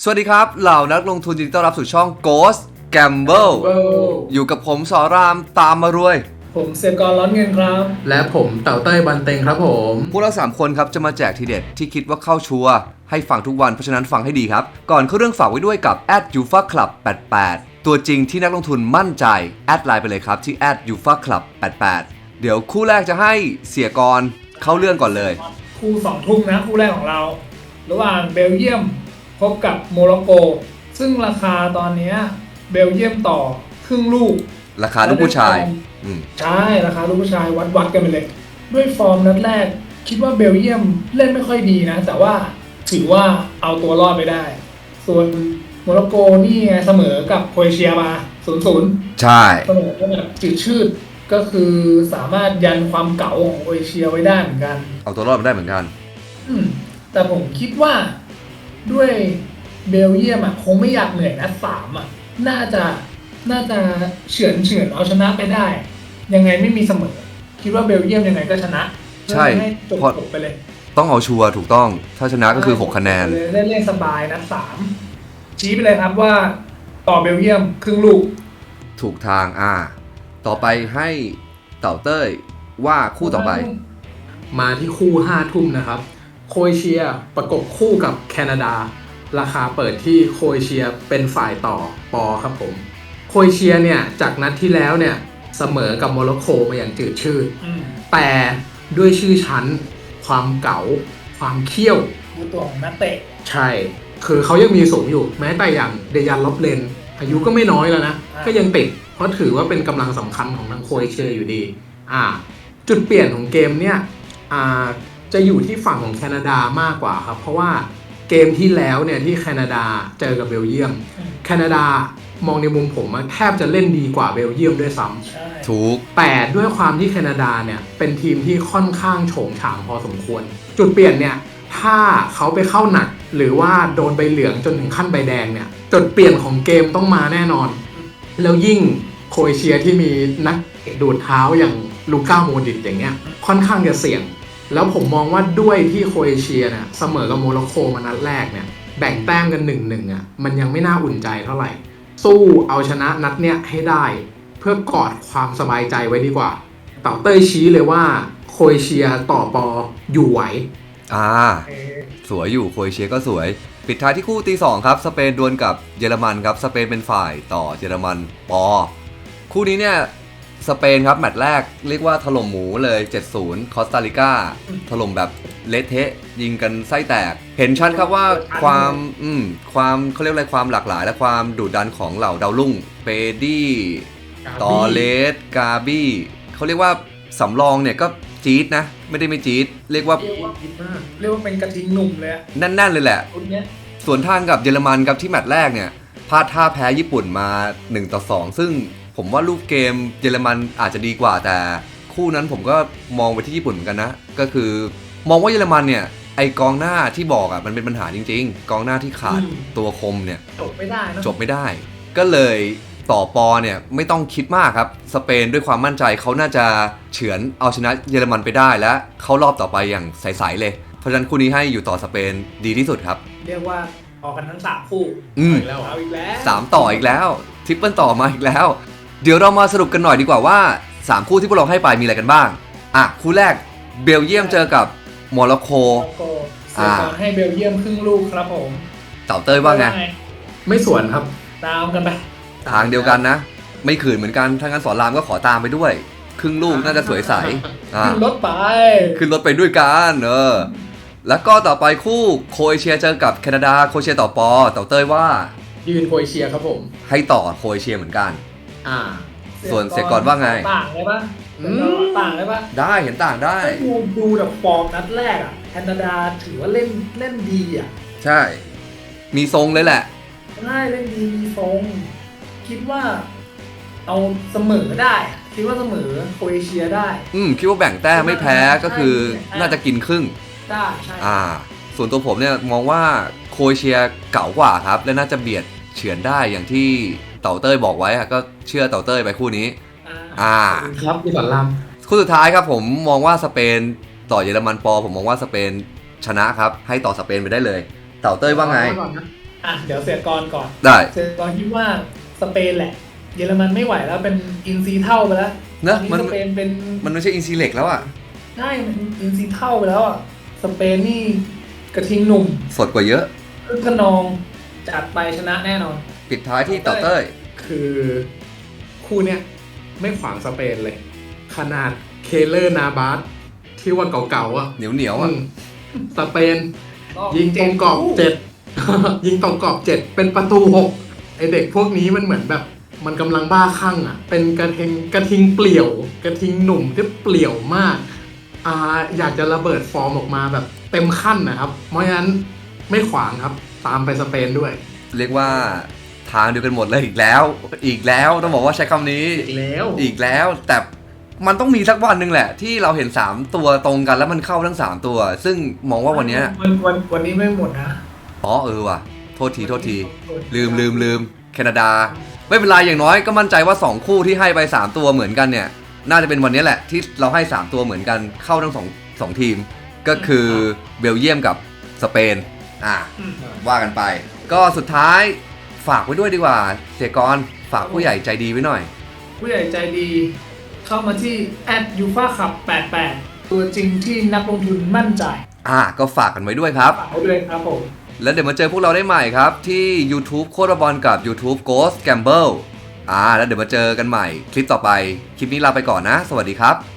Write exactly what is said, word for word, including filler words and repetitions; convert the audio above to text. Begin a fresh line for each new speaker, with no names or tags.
วัสดีครับเหล่านักลงทุนยินดีต้อนรับสู่ช่อง Ghost Gamble อยู่กับผมสอรามตามมารวย
ผมเสียกรร้อนเงินครับ
และผมเต่าเต้ยบันเต็งครับผม
พวกเราสามคนครับจะมาแจกทีเด็ดที่คิดว่าเข้าชัวร์ให้ฟังทุกวันเพราะฉะนั้นฟังให้ดีครับก่อนเข้าเรื่องฝากไว้ด้วยกับ แอท ยู เอฟ เอ คลับ แปดแปด ตัวจริงที่นักลงทุนมั่นใจแอดไลน์ไปเลยครับที่ แอท ยู เอฟ เอ คลับ แปดแปด เดี๋ยวคู่แรกจะให้เสียกรเข้าเรื่องก่อนเลย
คู่สองทุ่มนะคู่แรกของเราระหว่างเบลเยียมพบกับโมร็อกโกซึ่งราคาตอนนี้เบลเยียมต่อครึ่งลูก
ราคาลูกผู้ชาย
ใช่ราคาลูกผู้ชายวัดวัดกันไปเลยด้วยฟอร์มนัดแรกคิดว่าเบลเยียมเล่นไม่ค่อยดีนะแต่ว่าถือว่าเอาตัวรอดไปได้ส่วนโมร็อกโกนี่เสมอกับโครเอเชียมา ศูนย์ศูนย์
ใช่
เสมอก็แบบจืดชืดก็คือสามารถยันความเก๋าของโครเอเชียไว้ได้เหมือนกัน
เอาตัวรอดมาได้เหมือนกัน
อืมแต่ผมคิดว่าด้วยเบลเยียมอ่ะคงไม่อยากเหนื่อยนัดสามอ่ะน่าจะน่าจะเฉือนเฉือนเอาชนะไปได้ยังไงไม่มีเสมอคิดว่าเบลเยียมยังไงก็ชนะ
ใช่
จบจบไปเลย
ต้องเอาชัวร์ถูกต้องถ้าชนะก็คือหกคะแนน
เล่นเล่นสบายนัดสามชี้ไปเลยครับว่าต่อเบลเยียมครึ่งลูก
ถูกทางอ่าต่อไปให้เต่าเต้ยว่าคู่ต่อไป
มาที่คู่ห้าทุ่มนะครับโครเอเชียประกบคู่กับแคนาดาราคาเปิดที่โครเอเชียเป็นฝ่ายต่อปอครับผมโครเอเชียเนี่ยจากนัดที่แล้วเนี่ยเสมอกับโมร็อกโกมาอย่างจืดชืดแต่ด้วยชื่อชั้นความเก๋าความเขี้ยว
ตัวของนักเตะ
ใช่คือเขายังมีสูงอยู่แม้แต่อย่างเดยันล็อบเลนอายุก็ไม่น้อยแล้วนะก็ยังติดเพราะถือว่าเป็นกำลังสำคัญของทางโครเอเชียอยู่ดีอ่าจุดเปลี่ยนของเกมเนี่ยอ่าจะอยู่ที่ฝั่งของแคนาดามากกว่าครับเพราะว่าเกมที่แล้วเนี่ยที่แคนาดาเจอกับเบลเยียมแคนาดามองในมุมผมแทบจะเล่นดีกว่าเบลเยียมด้วยซ้
ำถูก
แต่ด้วยความที่แคนาดาเนี่ยเป็นทีมที่ค่อนข้างโฉงฉางพอสมควรจุดเปลี่ยนเนี่ยถ้าเขาไปเข้าหนักหรือว่าโดนใบเหลืองจนถึงขั้นใบแดงเนี่ยจุดเปลี่ยนของเกมต้องมาแน่นอนแล้วยิ่งโครเอเชียที่มีนักดูดเท้าอย่างลูก้าโมดริตอย่างเงี้ยค่อนข้างจะเสี่ยงแล้วผมมองว่าด้วยที่โครเอเชียเนี่ยเสมอกับโมร็อกโกมานัดแรกเนี่ยแบ่งแต้มกัน หนึ่งหนึ่ง อ่ะมันยังไม่น่าอุ่นใจเท่าไหร่สู้เอาชนะนัดเนี้ยให้ได้เพื่อกอดความสบายใจไว้ดีกว่าเต่าเต้ยชี้เลยว่าโครเอเชียต่อปออยู่ไหว
อ่าสวยอยู่โครเอเชียก็สวยปิดท้ายที่คู่ตีสองครับสเปนดวลกับเยอรมันครับสเปนเป็นฝ่ายต่อเยอรมันปอคู่นี้เนี่ยสเปนครับแมตช์แรกเรียกว่าถล่มหมูเลย เจ็ดศูนย์ คอสตาริกาถล่มแบบเละเทะยิงกันไส้แตกเห็นชัดครับว่าความอืมความเขาเรียกอะไรความหลากหลายและความดุดันของเหล่าดาวรุ่งเปดี้ตอเลสกาบี้เขาเรียกว่าสำรองเนี่ยก็จี๊ดนะไม่ได้ไม่จี๊ดเรียกว่า
เรียกว่าเป็นกระทิงหนุ่มเลย
แน่นๆเลยแหละส่วนทางกับเยอรมันครับที่แมตช์แรกเนี่ยพลาดท่าแพ้ญี่ปุ่นมาหนึ่งต่อสองซึ่งผมว่ารูปเกมเยอรมันอาจจะดีกว่าแต่คู่นั้นผมก็มองไปที่ญี่ปุ่นเหมือนกันนะก็คือมองว่าเยอรมันเนี่ยไอกองหน้าที่บอกอ่ะมันเป็นปัญหาจริงๆกองหน้าที่ขาดตัวคมเนี่ย
จบไม่ได้นะ
จบไม่ได้ก็เลยต่อปอเนี่ยไม่ต้องคิดมากครับสเปนด้วยความมั่นใจเขาน่าจะเฉือนเอาชนะเยอรมันไปได้และเข้ารอบต่อไปอย่างใสๆเลยเพราะฉะนั้นคู่นี้ให้อยู่ต่อสเปนดีที่สุดครับ
เรียกว่าออกกันทั้งสามคู่
อีกแล้วเอาอีกแล้วสามต่ออีกแล้วทริปเปิลต่อมาอีกแล้วเดี๋ยวเรามาสรุปกันหน่อยดีกว่าว่าสามคู่ที่พวกเราให้ไปมีอะไรกันบ้างอ่ะคู่แรกเบลเยียมเจอกับโมร็อกโก
อ่าให้เบลเยียมครึ่งลูกครับผม
เต่าเต้ยว่าไง
ไม่สวนครับ
ตามกันไป
ทางเดียวกันนะไม่ขืนเหมือนกันถ้างั้นสอนรามก็ขอตามไปด้วยครึ่งลูกน่าจะสวยใส
ขึ้นรถไป
ขึ้นรถไปด้วยกันเออแล้วก็ต่อไปคู่โครเอเชียเจอกับแคนาดาโครเอเชียต่อปอเต่าเต้ยว่า
ยืนโครเอเชียครับผม
ให้ต่อโครเอเชียเหมือนกัน
อ่า
ส่วนเสียก่อนว่าไง
ต่างเลยปะต่างเลยปะ
ได้เห็นต่างได้
ดูดูแบบฟอร์มนัดแรกอ่ะแคนาดาถือว่าเล่นเล่นดีอ่ะ
ใช่มีทรงเลยแหละ
ใช่เล่นดีมีทรงคิดว่าเอาเสมอได้คิดว่าเสมอโครเอเชียได้
อืมคิดว่าแบ่งแต้มไม่แพ้ก็คือน่าจะกินครึ่ง
ได้ใช่
อ่าส่วนตัวผมเนี่ยมองว่าโครเอเชียเก่ากว่าครับและน่าจะเบียดเฉือนได้อย่างที่เต่าเต้ยบอกไว้ก็เชื่อเต่าเต้ยไปคู่นี้
อ่า
ครับพี่สอนราม
คู่สุดท้ายครับผมมองว่าสเปนต่อเยอรมันปอผมมองว่าสเปนชนะครับให้ต่อสเปนไปได้เลยเต่าเต้ยว่าไง
อ่ะเดี๋ยวเสียกรก่อน
ได้
เสียกรคิดว่าสเปนแหละ เยอรมันไม่ไหวแล้วเป็นอินซีเท่าไปแล้ว
เนอะ
ต
มัน
สเปนเป็น
มันไม่ใช่อินซีเล็กแล้วอ่ะ
ใช่มันอินซีเท่าไปแล้วอ่ะสเปนนี่กระทิงหนุ่ม
สดกว่าเยอะ
คึกขนองจัดไปชนะแน่นอน
ปิดท้ายที่ต่อเต้ย
คือคู่เนี้ยไม่ขวางสเปนเลย ขนาดเคเลอร์นาบาสที่ว่าเก่าๆอ่ะ
เหนียวเหนียวๆอ่ะ
อืมสเปน ยิงตรงกรอบเจ็ด ยิงตรงกรอบเจ็ดเป็นประตูหกไอเด็กพวกนี้มันเหมือนแบบ มันกำลังบ้าคลั่งอ่ะ เป็นกระทิงกระทิงเปลี่ยว กระทิงหนุ่มที่เปลี่ยวมากอ่าอยากจะระเบิดฟอร์มออกมาแบบเต็มขั้นนะครับ เพราะฉะนั้นไม่ขวางครับ ตามไปสเปนด้วย
เรียกว่าทางเดียวกันหมดเลยอีกแล้ว อีกแล้วต้องบอกว่าใช้คำนี้
อีกแล้ว
อีกแล้ว แต่มันต้องมีสักวันหนึ่งแหละ ที่เราเห็นสามตัวตรงกันแล้วมันเข้าทั้งสามตัว ซึ่งมองว่าวันเนี้ย
วันวันวันนี้ไม่หมดนะ
อ๋อเออว่ะโทษทีโทษที ลืมลืมลืมแคนาดา ไม่เป็นไรอย่างน้อยก็มั่นใจว่าสองคู่ที่ให้ไปสามตัวเหมือนกันเนี่ยน่าจะเป็นวันนี้แหละที่เราให้สามตัวเหมือนกันเข้าทั้งสองสองทีม ก็คือเบลเยียมกับสเปนอ่ะ
อืม
ว่ากันไป ก็สุดท้ายฝากไว้ด้วยดีกว่าเสียกรฝากผู้ใหญ่ใจดีไว้หน่อย
ผู้ใหญ่ใจดี เข้ามาที่ แอท ยูฟ่าคัพ แปดแปด ตัวจริงที่นักลงทุนมั่นใจ
อ่ะก็ฝากกันไว้ด้วยครับ
ฝากไว้ด้วยครับผม
แล้วเดี๋ยวมาเจอพวกเราได้ใหม่ครับ ที่ YouTube โคตรบอลกับ YouTube Ghost Gamble อ่าแล้วเดี๋ยวมาเจอกันใหม่คลิปต่อไป คลิปนี้ลาไปก่อนนะ สวัสดีครับ